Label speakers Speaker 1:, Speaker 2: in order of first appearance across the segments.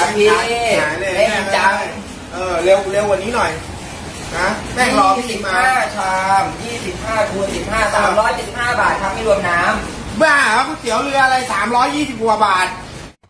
Speaker 1: ครับพี่
Speaker 2: หายเลย
Speaker 1: เล่นจัง
Speaker 2: เร็วกว่านี้หน่อยนะแม่งรอพี่มา
Speaker 1: 25 ชาม25คูณ15 375 บาทครับไม่รวมน้ำ
Speaker 2: บ้าเหรอก๋วยเตี๋ยวเรืออะไร320 กว่าบาท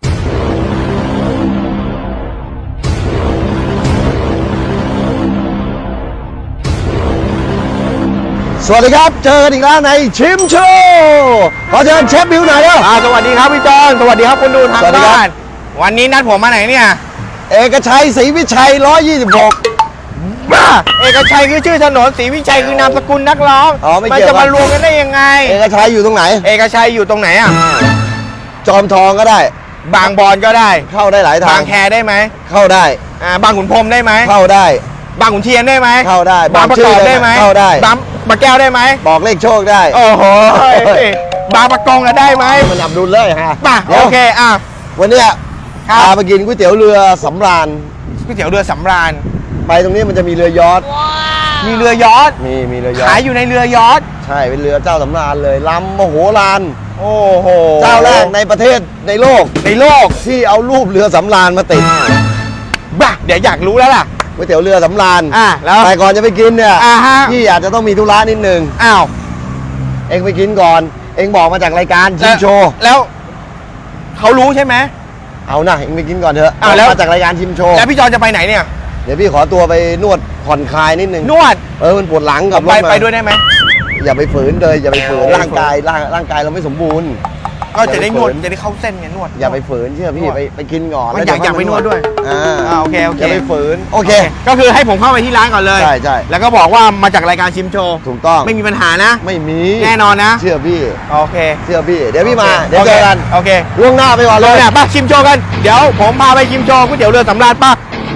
Speaker 3: สวัสดีครับเจอกันอีกแล้วในชิมโชว์ขอเชิญเชฟบิวหน่อยเร็ว
Speaker 2: สวัสดีครับพี่จอนสวัสดีครับคนดูทาง
Speaker 3: สวัสดีครับ
Speaker 2: บ้านวันนี้นัดผมมาไหนเนี่ย
Speaker 3: เอกชัยศรีวิชัย126
Speaker 2: บ้าเอกชัยคือชื่อถนนศรีวิชัยคือนามสกุลนักร้อง
Speaker 3: อ๋อไม่
Speaker 2: มัน
Speaker 3: เกี่ยว
Speaker 2: จะมารวมกันได้ยังไง
Speaker 3: เอกชัยอยู่ตรงไหน
Speaker 2: เอกชัยอยู่ตรงไหนอ่ะ
Speaker 3: จอมทองก็ได้
Speaker 2: บางบอนก็ได้
Speaker 3: เข้าได้หลายทา
Speaker 2: บาง งแคได้ไหม
Speaker 3: เข้าได้
Speaker 2: บางขุนพรหมได้ไหม
Speaker 3: เข้าได้
Speaker 2: บางขุนเทียนได้ไหม
Speaker 3: เข้าได้
Speaker 2: บางประกอบได้ไหม
Speaker 3: เข้าได้
Speaker 2: บางแก้วได้ไหม
Speaker 3: บอกเลขโชคได้
Speaker 2: โอ้โหบางประกงก็ได้ไหม
Speaker 3: มันอับดุลเลยฮะ
Speaker 2: ป่ะ
Speaker 3: ดี๋ยว
Speaker 2: โอเค
Speaker 3: วันเนี้ย
Speaker 2: ครับ
Speaker 3: พาไปกินก๋วยเตี๋ยวเรือสำราญ
Speaker 2: ก๋วยเตี๋ยวเรือสำราญ
Speaker 3: ไปตรงนี้มันจะมีเรือยอชต์
Speaker 2: มีเรือยอชต์
Speaker 3: มีเรือยอช
Speaker 2: ขาย
Speaker 3: ต์
Speaker 2: อยู่ในเรือยอชต์
Speaker 3: ใช่เป็นเรือเจ้าสำราญเลยลำมโหฬาร
Speaker 2: โอ้โห
Speaker 3: เจ้าแรกในประเทศในโลก
Speaker 2: ในโลก
Speaker 3: ที่เอารูปเรือสำราญมาติด
Speaker 2: บ้าเดี๋ยวอยากรู้แล้วล่ะ
Speaker 3: ก๋วยเตี๋ยวเรือสำราญ
Speaker 2: แล้ว
Speaker 3: แต่ก่อนจะไปกินเนี่ย
Speaker 2: ฮะ
Speaker 3: พี่อาจจะต้องมีธุระนิดนึง
Speaker 2: อ้าว
Speaker 3: เองไปกินก่อน เองบอกมาจากรายการชิมโชว์
Speaker 2: แล้วเขารู้ใช่ไหม
Speaker 3: เอานะเองไปกินก่อนเถอะ
Speaker 2: อ้าวแล้ว
Speaker 3: มาจากรายการชิมโชว์
Speaker 2: แล้วพี่จอนจะไปไหนเนี่ย
Speaker 3: เดี๋ยวพี่ขอตัวไปนวดผ่อนคลายนิดนึง
Speaker 2: นวด
Speaker 3: มันปวดหลังกับรถมา
Speaker 2: ไปด้วยได้ไหม
Speaker 3: อย่าไปฝืนเลยอย่าไปฝืน
Speaker 2: โอ้
Speaker 3: ร่างกายเราไม่สมบูรณ์
Speaker 2: ก็จะได้นวดจะได้เข้าเส้นไงนวด
Speaker 3: อย่าไปฝืนเชื่อพี่
Speaker 2: นวด
Speaker 3: ไปกินก่อน
Speaker 2: มัน
Speaker 3: แล้ว
Speaker 2: อยากไปนวดด้วย โอเค
Speaker 3: อย่าไปฝืนโอเค
Speaker 2: ก็คือให้ผมเข้าไปที่ร้านก่อนเลย
Speaker 3: ใช่ใช่
Speaker 2: แล้วก็บอกว่ามาจากรายการชิมโชว์
Speaker 3: ถูกต้อง
Speaker 2: ไม่มีปัญหานะ
Speaker 3: ไม่มี
Speaker 2: แน่นอนนะ
Speaker 3: เชื่อพี่
Speaker 2: โอเค
Speaker 3: เชื่อพี่เดี๋ยวพี่มาเดี๋ยวเจอกัน
Speaker 2: โอเค
Speaker 3: ล่วงหน้าไปก่อน
Speaker 2: เล
Speaker 3: เลย ย
Speaker 2: เนี่ยป้าชิมโชว์กัน เดี๋ยวผมพาไปชิมโชว์ก๋วยเตี๋ยวเรือสำราญป้า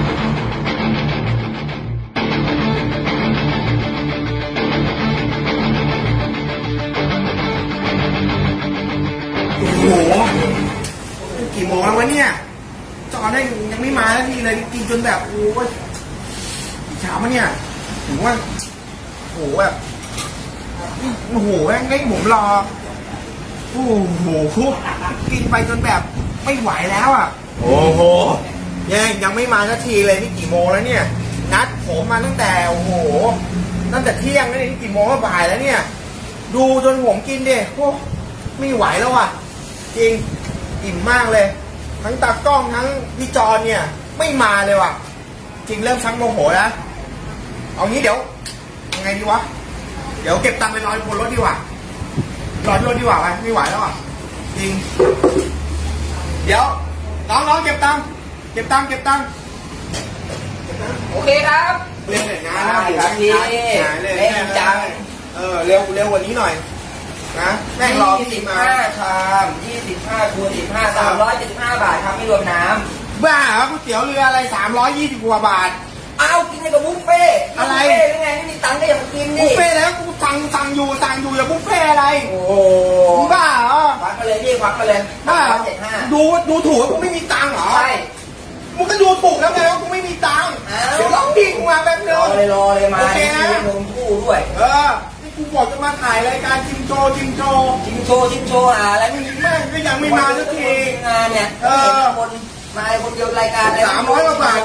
Speaker 2: โอ้โหกี่โมงแล้ววะเนี่ยจอได้ยังไม่มาสักทีเลยกินจนแบบโอ้ยเช้ามาเนี่ยถึงว่าโอ้โหแบบโอ้โหแม่งได้ผมรอโอ้โหกินไปจนแบบไม่ไหวแล้วอ่ะโอ้โหยังไม่มาสักทีเลยนี่กี่โมงแล้วเนี่ยนัดผมมาตั้งแต่โอ้โหตั้งแต่เที่ยงแล้วนี่กี่โมงก็บ่ายแล้วเนี่ยดูจนผมกินดิโอ้ไม่ไหวแล้วอ่ะจริงอิ่มมากเลย ทั้งตากล้องทั้งพี่จอนเนี่ยไม่มาเลยว่ะจริงเริ่มชักโมโหแล้วเอางี้เดี๋ยวยังไงดีวะเดี๋ยวเก็บตังค์ไปรอบนรถดีกว่ารอที่รถดีกว่าไปไม่ไหวแล้วอ่ะจริงเดี๋ยวน้องเก็บตังค์
Speaker 1: โอเคครับ
Speaker 2: เร็วหน่อยนะ
Speaker 1: ได้ครับพี่
Speaker 2: หายเลย
Speaker 1: เล่นจัง
Speaker 2: เร็วกว่านี้หน่อยนะแม่งรอพี่มา
Speaker 1: 25 ชาม25คูณ15 375 บาทครับไม่รวมน้ำ
Speaker 2: บ้าเหรอก๋วยเตี๋ยวเรืออะไร320 กว่าบาท
Speaker 1: เอากินในกับบุฟเฟ่ต์
Speaker 2: อะไร
Speaker 1: บุฟเฟ่ต์หรือไงไม่มีตังค์ก็อย่ามากิน
Speaker 2: บุ
Speaker 1: ดิ
Speaker 2: ฟเฟ่ต์แล้วกูสั่งอยู่อย่าบุฟเฟ่ต์อะไร
Speaker 1: โอ้โห
Speaker 2: มึงบ้าเหรอ
Speaker 1: ควักไปเลยพี่ควักไปเลย
Speaker 2: บ้าเหรอ
Speaker 1: 375
Speaker 2: ดูถูกว่ากูไม่มีตังค์เหรอ
Speaker 1: ใช่
Speaker 2: มึงก็ดูถูกแล้วไงว่ากูไม่มีตังค์
Speaker 1: อ้าว
Speaker 2: เดี๋ยวร้องดีกูมาแป๊บนึ
Speaker 1: รง อเลยมา
Speaker 2: โอเคนะ
Speaker 1: มีนมคู่ด้วย
Speaker 2: นี่กูบอกจะมาถ่ายรายการชิมโชว์
Speaker 1: ชิมโชว์อะไรไม่มี
Speaker 2: แม่งก็ยังไม่มาสักที
Speaker 1: งานเนี่ย
Speaker 2: เออ
Speaker 1: ห็นคนมาคนเดียวรายการอะไร
Speaker 2: 300 กว่าบาท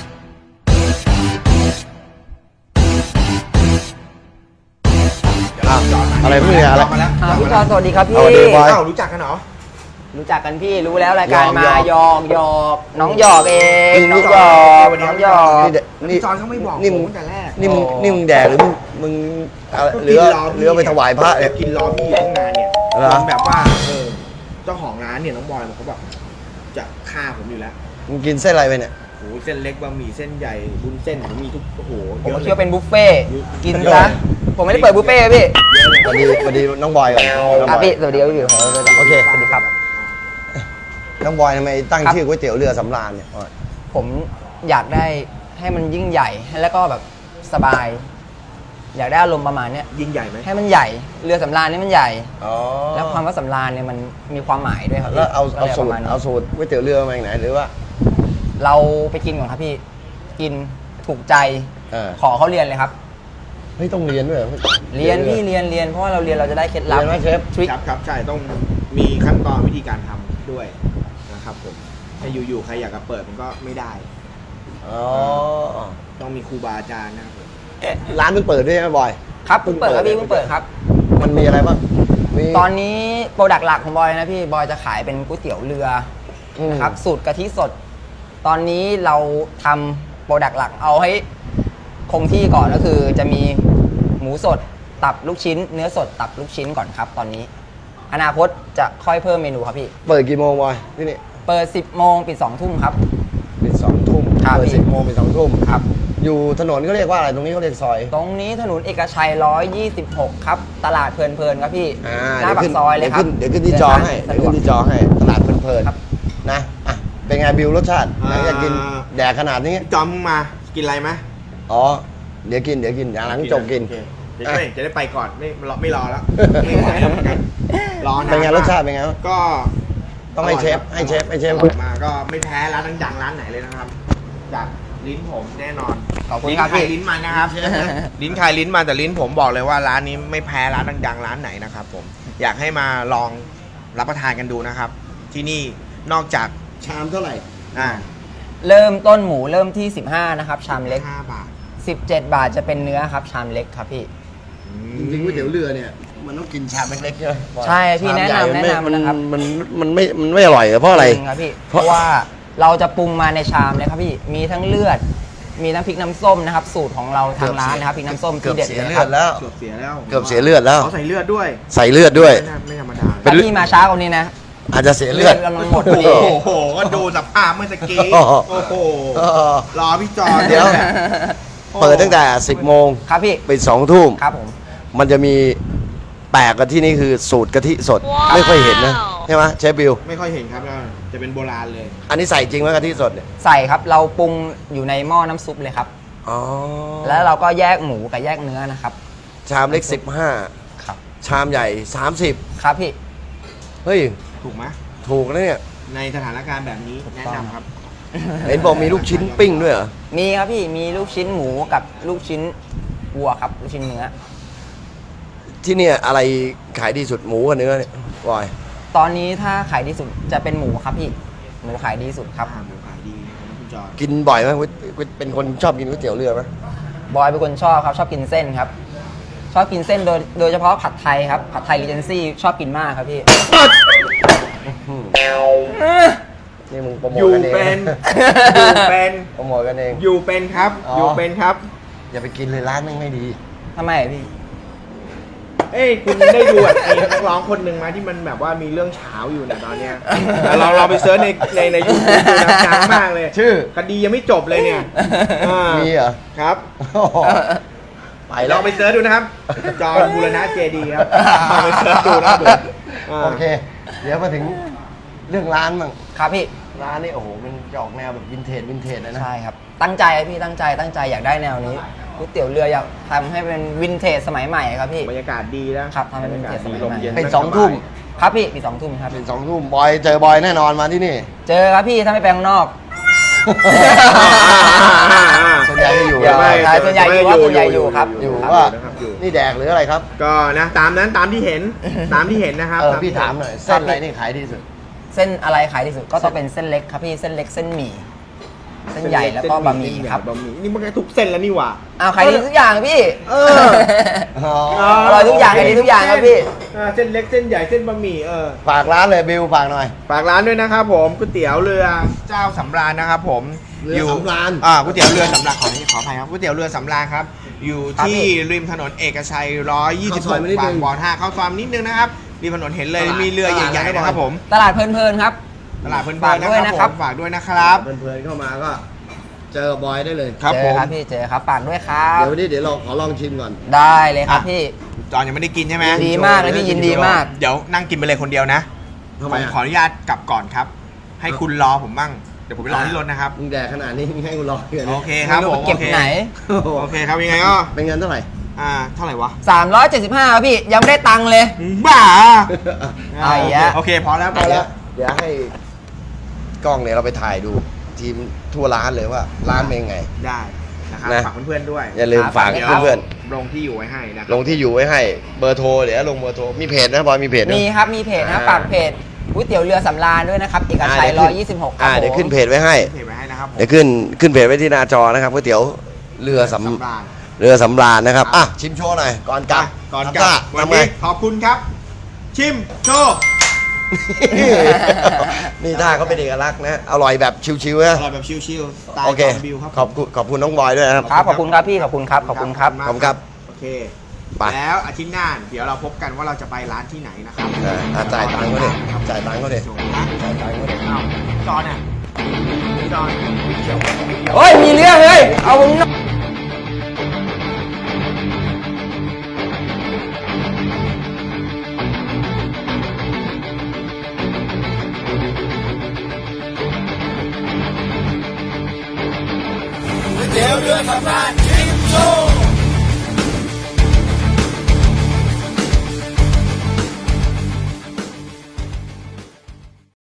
Speaker 3: อะไรพวกนี้อะไร
Speaker 2: มาแล้ว
Speaker 1: พี่จอนสวัสดีครับพี่
Speaker 3: สวัสดีบอย
Speaker 2: เอ้ารู้จักกันเหรอ
Speaker 1: รู้จักกันพี่รู้แล้วรายการ
Speaker 3: หยอก
Speaker 1: มาหยอกน้องหยอกเอง
Speaker 3: นี่
Speaker 1: น้องหยอกน้องหยอก
Speaker 3: นี่
Speaker 2: จอนเขาไม่บอก
Speaker 3: นี่
Speaker 2: ผ
Speaker 3: มึ
Speaker 2: ม
Speaker 3: ง
Speaker 2: ตั้งแต่แรก
Speaker 3: นี่มึง
Speaker 1: โอ้
Speaker 3: นี่มึงแดกหรือมึงอะไรเรือไปถวายพระเนี่ย
Speaker 2: กินรอพี่ตั้งนานเนี่ย
Speaker 3: เหรอ
Speaker 2: จนแบบว่าเจ้าของร้านเนี่ยน้องบอยเขาบอกจะฆ่าผมอยู่แล้ว
Speaker 3: มึงกินเส้นอะไรไปเนี่ย
Speaker 2: โอ้โหเส้นเล็กบะหมี่เส้นใหญ่วุ้นเส้นผมมีทุกโอ้โห
Speaker 1: ผม
Speaker 2: เยอะ
Speaker 1: คิด
Speaker 2: เลย
Speaker 1: ว่าเป็นบุฟเฟ่ต์กิน
Speaker 3: เยอะ
Speaker 1: ซะผมไม่ได้เปิดบุฟเฟ่ต์พี่
Speaker 3: สวัสดีน้องบอยก่อนน้อง
Speaker 1: ครับ
Speaker 3: บอย
Speaker 1: พี่สวัสดีครับพี่
Speaker 3: โอเค
Speaker 1: สวัสดีครับ
Speaker 3: น้องบอยทำไมตั้ง
Speaker 1: ครับ
Speaker 3: ชื่อก๋วยเตี๋ยวเรือสำราญเนี่ย
Speaker 1: ผมอยากได้ให้มันยิ่งใหญ่แล้วก็แบบสบาย อยากได้อารมณ์ประมาณเนี้ย
Speaker 2: ยิ่งใหญ่ไหม
Speaker 1: ให้มันใหญ่เรือสำราญนี่มันใหญ่
Speaker 3: อ๋อ
Speaker 1: แล้วความว่าสำราญเนี่ยมันมีความหมายด้วยครับพี่
Speaker 3: แล้วเอา
Speaker 1: ก็ลย
Speaker 3: สู
Speaker 1: ป
Speaker 3: ต
Speaker 1: ระ
Speaker 3: ร
Speaker 1: มาณนี้
Speaker 3: เอาสูตรก๋วยเตี๋ยวเรือมาจากไหนหรือว่า
Speaker 1: เราไปกินก่อนครับพี่กินถูกใจ ขอเขาเรียนเลยครับ
Speaker 3: เฮ้ยต้องเรียนด้วยเหรอ
Speaker 1: เรียนพี่เรียนเพราะว่าเราเรียนเราจะได้เคล็ดลับ
Speaker 3: เรียนไหมเชฟ
Speaker 1: ทริค
Speaker 2: ครับใช่ต้องมีขั้นตอนวิธีการทำด้วยนะครับผมจะอยู่ๆใครอยากจะเปิดมันก็ไม่ได้
Speaker 3: อ๋อ
Speaker 2: ต้องมีครูบาอาจารย์นะครับผม
Speaker 3: ร้านเพิ่งเปิดด้วยใช่ไหมบอย
Speaker 1: ครับเพิ่งเปิดครับพี่เพิ่งเปิดครับ
Speaker 3: มันมีอะไรบ้างมี
Speaker 1: ตอนนี้โปรดักต์หลักของบอยนะพี่บอยจะขายเป็นก๋วยเตี๋ยวเรือ นะครับสูตรกะทิสด ตอนนี้เราทำโปรดักต์หลักเอาให้คงที่ก่อนก็คือจะมีหมูสดตับลูกชิ้น เนื้อสดตับลูกชิ้นก่อนครับ ตอนนี้ อนาคตจะค่อยเพิ่มเมนูครับพี่
Speaker 3: เปิดกี่โมงบอยที่นี่
Speaker 1: เปิด 10 โมงปิด 2 ทุ่มครับ
Speaker 3: ปิด2 ทุ่ม
Speaker 1: ครับ
Speaker 3: เปิด
Speaker 1: พี่
Speaker 3: 10 โมงปิด2 ทุ่ม
Speaker 1: ครับ
Speaker 3: อยู่ถนนก็เรียกว่าอะไรตรงนี้เขาเรียกซอย
Speaker 1: ตรงนี้ถนนเอกชัย 126 ครับ ตลาดเพลินๆครับพี่ หน้าปากซอยเลยครับ
Speaker 3: เดี๋ยวขึ้นที่จอให้
Speaker 1: สะ
Speaker 3: เดี๋ยว
Speaker 1: ดว
Speaker 3: ขึ้
Speaker 1: ก
Speaker 3: นที่จอให้ตลาดเพลิน
Speaker 1: ครับ
Speaker 3: ๆนะอ่ะเป็นไงบิวรสชาติหลังจากกินแดกขนาดนี้
Speaker 2: จอมมึงมากินอะไรไหม
Speaker 3: อ๋อเดี๋ยวกินอย่างหลังจบกิน
Speaker 2: โอเคเดี๋ยวจะได้ไปก่อนไม่รอแล้วไม่ไหวแล้วเหมือนกันรอนาน
Speaker 3: เป็นไง
Speaker 2: มก
Speaker 3: รสชาติเป็นไง
Speaker 2: ก็
Speaker 3: ต้องให้เชฟให้เชฟ
Speaker 2: อร่อยมาก็ไม่แพ้ร้านดังๆร้านไหนเลยนะครับจากลิ้นผมแน่นอน
Speaker 1: ขอบคุณ
Speaker 2: ลิ้น
Speaker 1: ครับ
Speaker 2: ใคร
Speaker 1: พี่
Speaker 2: ลิ้นมันนะครับ ลิ้นใครลิ้นมันแต่ลิ้นผมบอกเลยว่าร้านนี้ไม่แพ้ร้านดังๆร้านไหนนะครับผมอยากให้มาลองรับประทานกันดูนะครับ ที่นี่นอกจาก
Speaker 3: ชามเท่าไหร่
Speaker 1: เริ่มต้นหมูเริ่มที่ 15 นะครับ ชามเล็ก
Speaker 2: 5 บาท
Speaker 1: 17 บาทจะเป็นเนื้อครับ ชามเล็กครับพี่
Speaker 3: จริงๆก๋วยเตี๋ยวเรือเนี่ยมันต้องกินชามเล็กๆใช่ไหม
Speaker 1: ใช่พี่
Speaker 3: ชาม
Speaker 1: แนะ
Speaker 3: ใหญ่
Speaker 1: นำแนะนำนะครับ
Speaker 3: มันไม่อร่อยเพราะอะไร
Speaker 1: จริงครับพี่ เพราะว่าเราจะปรุงมาในชามเลยครับพี่ มีทั้งเลือด มีทั้งพริกน้ำส้มนะครับ สูตรของเราทางร้านนะครับพริกน้ำส้ม
Speaker 3: เกื
Speaker 1: ที่
Speaker 3: อบ
Speaker 1: เด็ด
Speaker 3: เสีย
Speaker 1: เลย
Speaker 3: เลื
Speaker 1: ค
Speaker 3: อ
Speaker 1: รับ
Speaker 3: ดแล้ว
Speaker 2: เกือบเสียแล้ว
Speaker 3: เกือบเสียเลือดแล้ว
Speaker 2: เขาใส่เลือดด้วย
Speaker 3: ใส่เลือดด้วย
Speaker 2: ไม่ธรรมดา
Speaker 3: เป็น
Speaker 1: ถ้าพี่มาช้ากว่านี้นะ
Speaker 3: อาจจะเสียเลือด
Speaker 1: เลือดกำลังหมดพอดี
Speaker 2: โอ้โหก็ดูสภาพเมื่อตะกี้
Speaker 3: โอ้โห
Speaker 2: โอ้โห
Speaker 3: เออ
Speaker 2: รอพี่จอน
Speaker 3: เดี๋ยว
Speaker 2: นี่แหละ
Speaker 3: เปิดตั้งแต่ 10 โมง
Speaker 1: ครับพี่
Speaker 3: ปิด2 ทุ่ม
Speaker 1: ครับผม
Speaker 3: มันจะมีแปลกกันที่นี่คือสูตรกะทิสด ไม่ค่อยเห็นนะใช่ไหมเชฟบิว
Speaker 2: ไม่ค่อยเห็นครับจะเป็นโบราณเลย
Speaker 3: อันนี้ใส่จริงไหมกะทิสดเนี่ย
Speaker 1: ใส่ครับ เราปรุงอยู่ในหม้อน้ำซุปเลยครับ
Speaker 3: อ๋อ
Speaker 1: แล้วเราก็แยกหมูกับแยกเนื้อนะครับ
Speaker 3: ชามเล็ก
Speaker 1: ครับ
Speaker 3: 15 ชามใหญ่ 30
Speaker 1: ครับพี่
Speaker 3: เฮ้ย
Speaker 2: ถูกไหม
Speaker 3: ถูกนะเนี่ย
Speaker 2: ในสถานการณ์แบบนี้
Speaker 1: ถูก
Speaker 2: แนะ
Speaker 1: ต้อง
Speaker 2: นำครับ
Speaker 3: เห็นบอกมีลูกชิ้นปิ้งด้วยเหรอ
Speaker 1: มีครับพี่ มีลูกชิ้นหมูกับลูกชิ้นวัวครับ ลูกชิ้นเนื้อ
Speaker 3: ที่เนี่ยอะไรขายดีสุดหมูกับเนื้อเนี่ยบอย
Speaker 1: ตอนนี้ถ้าขายดีสุดจะเป็นหมูครับพี่ หมูขายดีสุดครับ
Speaker 2: หมูขายดีนะครับคุณจอน
Speaker 3: กินบ่อยไหมเป็นคนชอบกินก๋วยเตี๋ยวเรือไหม
Speaker 1: บอยเป็นคนชอบครับ ชอบกินเส้นครับ ชอบกินเส้นโดยเฉพาะผัดไทยครับ ผัดไทยรีเจนซี่ชอบกินมากครับพี่
Speaker 3: นี่มึงโปรโม
Speaker 2: อ
Speaker 3: ท
Speaker 2: ยู่
Speaker 3: กันเอง
Speaker 2: เป็นอยู่เป็น
Speaker 3: โปรโมทกันเอง
Speaker 2: อยู่เป็นครับ
Speaker 3: อ๋ออ
Speaker 2: อยู่เป็นครับ
Speaker 3: อย่าไปกินเลยร้านแม่งไม่ดี
Speaker 1: ทำไมอะพี่
Speaker 2: เอ้ยคุณได้ดูไอ้นักร้องคนหนึ่งมาที่มันแบบว่ามีเรื่องเช้าอยู่เนี่ยตอนเนี้ยเราไปเซิร์ชในยูทูบดูนะดังมากเลย
Speaker 3: ชื่อ
Speaker 2: คดียังไม่จบเลยเนี่ยอ่า
Speaker 3: มีเหรอ
Speaker 2: ครับ
Speaker 3: โอ้โหไปแล้
Speaker 2: ล
Speaker 3: ว
Speaker 2: องไปเซิร์ชดูนะครับ จอห์นบูรณะเจดีย์ครับลองไปเซิร์ชดูนะครับผมา
Speaker 3: โอเค เดี๋ยวมาถึงเรื่องร้านมั่ง
Speaker 1: ครับพี่
Speaker 3: ร้านนี่โอ้โหมันจะออกแนวแบบวินเทจเลยนะ
Speaker 1: ใช่ครับ ตั้งใจอะพี่ตั้งใจอยากได้แนวนี้ก๋วยเตี๋ยวเรืออยากทำให้เป็นวินเทจสมัยใหม่ครับพี่
Speaker 2: บรรยากาศดีนะครับ
Speaker 1: ทำให้เป็น
Speaker 2: บรรยากาศดี
Speaker 1: เกียรติ
Speaker 2: ลมเย็น
Speaker 3: เป็น
Speaker 2: นั่
Speaker 3: 2 ทุ่ม
Speaker 1: ครับพี่มี2 ทุ่มครับ
Speaker 3: เป็น2 ทุ่มบอยเจอบอยแน่นอนมาที่นี่
Speaker 1: เจอครับพี่ถ้าไม่ไปข้างนอก
Speaker 3: ส่วนใหญ่จะอยู่
Speaker 1: เดี๋ยว
Speaker 3: ไม่
Speaker 1: ใช่ส่วนใหญ่อยู่ครับส่วนใหญ่อยู่ครับ
Speaker 3: อยู่
Speaker 2: ครับ
Speaker 3: ว่า
Speaker 2: นะครับอยู่
Speaker 3: นี่แดกหรืออะไรครับ
Speaker 2: ก็นะตามนั้นตามที่เห็นตามที่เห็นนะครับ
Speaker 3: เออพี่ถามหน่อยเส้นอะไรนี่ขายดีสุด
Speaker 1: เส้นอะไรขายที่สุดก็ต้องเป็นเส้นเล็กครับพี่เส้นเล็กเส้นหมี่เส้นใหญ่แล้วก็บะหมี่ครับ
Speaker 2: บะหมี่นี่มันก็ทุกเส้นแล้วนี่หว่า
Speaker 1: อ้าวขายดีทุกอย่างพี่
Speaker 2: เออ
Speaker 1: อร่อยทุกอย่างขายดีทุกอย่างครับพี่
Speaker 2: เส้นเล็กเส้นใหญ่เส้นบะหมี่
Speaker 3: ฝากร้านเลยบิวฝากหน่อย
Speaker 2: ฝากร้านด้วยนะครับผมก๋วยเตี๋ยวเรือเจ้าสำราญนะครับผม
Speaker 3: เรือสำราญ
Speaker 2: ก๋วยเตี๋ยวเรือสำราญขออภัยครับก๋วยเตี๋ยวเรือสำราญครับอยู่ที่ริมถนนเอกชัย
Speaker 3: เข้าซอยมานิดนึง
Speaker 2: 126บางบ่อ5เข้าซอยนิดนึงนะครับริมถนนเห็นเลยมีเรือใหญ่ๆนะครับผม
Speaker 1: ตลาดเพลินๆครับ
Speaker 2: ตลาดเพลิน
Speaker 1: ฝาก
Speaker 2: ๆ
Speaker 1: ด้วย
Speaker 2: นะ
Speaker 1: นะ
Speaker 2: ค
Speaker 1: ครั
Speaker 2: รับบ ผมฝากด้วยนะครับ
Speaker 3: เพื่อนๆเข้ามาก็เจอบอยได้เลย
Speaker 2: ครับ
Speaker 1: เจ
Speaker 2: ผ
Speaker 1: อ
Speaker 2: ม
Speaker 1: ครับพี่เจอครับฝากด้วยครับ
Speaker 3: เดี๋ยววันนี้เดี๋ยวเราขอลองชิมก่อน
Speaker 1: ได้เลยครับพี่
Speaker 2: จอนยังไม่ได้กินใช่ไหม
Speaker 1: ยินดีมากเลยพี่ยินดีมาก
Speaker 2: เดี๋ยวนั่งกินไปเลยคนเดียวนะ
Speaker 3: ทำไม
Speaker 2: ผม
Speaker 3: อ่ะ
Speaker 2: ขออนุญาตกลับก่อนครับ ให้คุณรอผมบ้างเดี๋ยวผมไปรอที่รถนะครับ
Speaker 3: มึงแดกขนาดนี้มึงให้กูรออยู่นะ
Speaker 2: โอเคครับผม
Speaker 1: เก็บไหน
Speaker 3: โอ้โห
Speaker 2: โอเคครับยังไงก็
Speaker 3: เป็นเงินเท่าไหร่
Speaker 2: เท่าไหร่วะ
Speaker 1: 375ครับพี่ยังไม่ได้ตังค์เลย
Speaker 2: บ้า
Speaker 1: เอาอีกแล้ว
Speaker 2: โอเคพอแล้วพ
Speaker 3: เอา
Speaker 2: อ
Speaker 3: แล้
Speaker 2: แล้ว ว
Speaker 3: เดี๋ยวให้กล้องเนี่ยเราไปถ่ายดูทีมทั่วร้านเลยว่าร้านเป็นไง
Speaker 2: ได้นะครับ
Speaker 3: นะ
Speaker 2: ฝากเพื่อนๆด้วย
Speaker 3: อย่าลืมฝาก
Speaker 2: ดี๋ยว
Speaker 3: เพื่อน
Speaker 2: ลงที่อยู่ไว้ให้นะค
Speaker 3: ๆ
Speaker 2: รับ
Speaker 3: ลงที่อยู่ไว้ให้เบอร์โทรเดี๋ยวลงเบอร์โทรมีเพจนะบอยมีเพจนะ
Speaker 1: มีครับมีเพจนะครับฝากเพจก๋วยเตี๋ยวเรือสำราญด้วยนะครับเอกชัย126ครับผม
Speaker 3: เดี๋ยวขึ้นเพจไว้ให้
Speaker 2: เพจไว้ให้นะครับผม
Speaker 3: เดี๋ยวขึ้นเพจไว้ที่หน้าจอนะครับก๋วยเตี๋ยวเรือสำ
Speaker 2: ราญ
Speaker 3: เรือสำราญนะครับอ่ะชิมโชว์หน่อยก่อนกลับ
Speaker 2: ก่อนกลับวัน
Speaker 3: ทำไง
Speaker 2: นี้ขอบคุณครับ ชิมโชว์
Speaker 3: นี่ท่าเขาเป็นเอกลักษณ์นะ อร่อยแบบชิวๆ
Speaker 2: อ
Speaker 3: นะ
Speaker 2: ร่อยแบบชิลๆสไตล์
Speaker 3: โอเค
Speaker 2: บิวครับ
Speaker 3: ขอบคุณน้องบอยด้วยนะครับ
Speaker 1: ครับขอบคุณครับพี่ขอบคุณครับขอบคุณครับ
Speaker 3: ขอบคุณครับ
Speaker 2: โอเค
Speaker 3: ไป
Speaker 2: แล้วอาทิตย์หน้าเดี๋ยวเราพบกันว่าเราจะไปร้านที่ไหนนะครับ
Speaker 3: จ่ายตังค์เขาดิจ่ายตังค์เขาดิ
Speaker 2: โชว์นะ
Speaker 3: จ่ายตังค์เขาดิ
Speaker 2: อ้าวจอนอ่ะจอนเขียว
Speaker 1: เฮ้ยมีเรื่องเลยเอาผมหน่อย
Speaker 2: เดี๋ยวเรือสำราญ